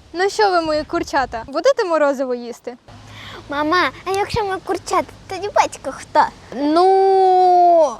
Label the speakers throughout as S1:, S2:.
S1: Ну що ви, мої курчата, будете морозиво їсти?
S2: Мама, а якщо ми курчата, тоді батько хто?
S1: Ну,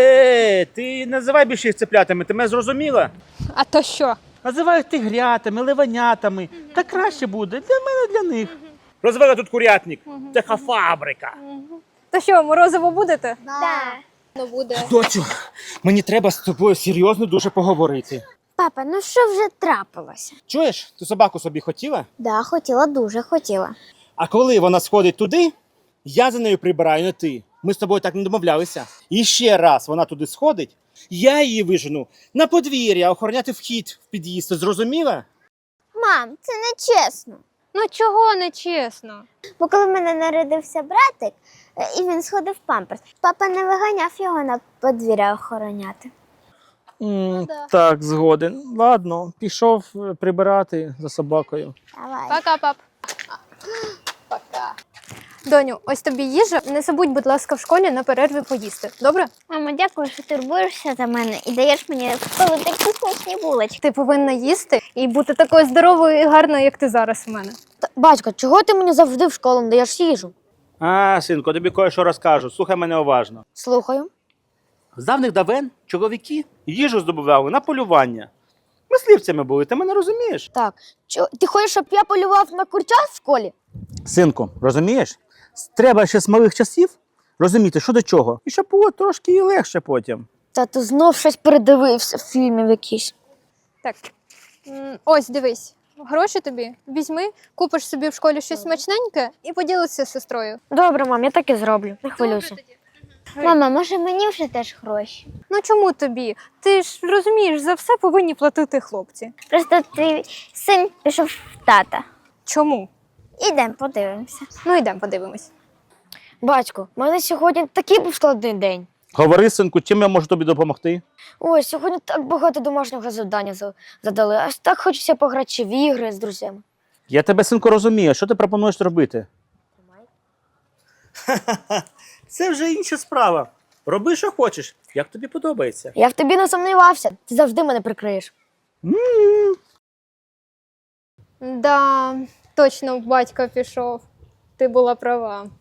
S3: Ти називай більше їх цеплятами, ти мене зрозуміла?
S1: а то що?
S3: Називай їх тигрятами, ливанятами. Так краще буде для мене, для них. Розвели тут курятник. Це фабрика.
S1: То що, морозиво будете?
S2: Так.
S1: Ну буде.
S3: Доцю, мені треба з тобою серйозно дуже поговорити.
S2: Папа, ну що вже трапилося?
S3: Чуєш, ти собаку собі хотіла?
S2: Да, хотіла, дуже хотіла.
S3: А коли вона сходить туди, я за нею прибираю, не ти. Ми з тобою так не домовлялися. І ще раз вона туди сходить, я її вижену на подвір'я, охороняти вхід в під'їзд. Ти зрозуміла?
S2: Мам, це не чесно.
S1: Ну чого не чесно?
S2: Бо коли в мене народився братик, і він сходив в памперс, папа не виганяв його на подвір'я охороняти.
S3: Так, згоден. Ладно, пішов прибирати за собакою.
S2: Давай.
S1: Пока, пап. Пока. Доню, ось тобі їжа. Не забудь, будь ласка, в школі на перерві поїсти. Добре?
S2: Мамо, дякую, що турбуєшся за мене і даєш мені коли такі смачні булочки.
S1: Ти повинна їсти і бути такою здоровою і гарною, як ти зараз у мене.
S2: Батько, чого ти мені завжди в школу не даєш їжу?
S3: Синку, тобі кое-що розкажу. Слухай мене уважно.
S2: Слухаю.
S3: З давних давен чоловіки їжу здобували на полювання. Мисливцями були, ти мене розумієш?
S2: Так, ти хочеш, щоб я полював на курчат в школі?
S3: Синку, розумієш? Треба ще з малих часів розуміти, що до чого. І щоб було трошки і легше потім.
S2: Та ти знов щось передивився фільмів якісь.
S1: Так. Ось, дивись. Гроші тобі візьми, купиш собі в школі щось смачненьке і поділися з сестрою.
S2: Добре, мам, я так і зроблю. Не хвилюйся. Мама, може мені вже теж гроші?
S1: Ну чому тобі? Ти ж розумієш, за все повинні платити хлопці.
S2: Просто твій син пішов в тата.
S1: Чому?
S2: Ідемо, подивимося.
S1: Ну йдемо подивимось.
S2: Батько, в мене сьогодні такий був складний день.
S3: Говори, синку, чим я можу тобі допомогти?
S2: Ой, сьогодні так багато домашнього завдання задали. Аж так хочеться пограти в ігри з друзями.
S3: Я тебе, синку, розумію. Що ти пропонуєш робити? Це вже інша справа. Роби, що хочеш, як тобі подобається.
S2: Я в тобі не сумнівався. Ти завжди мене прикриєш.
S1: Да, точно батько пішов. Ти була права.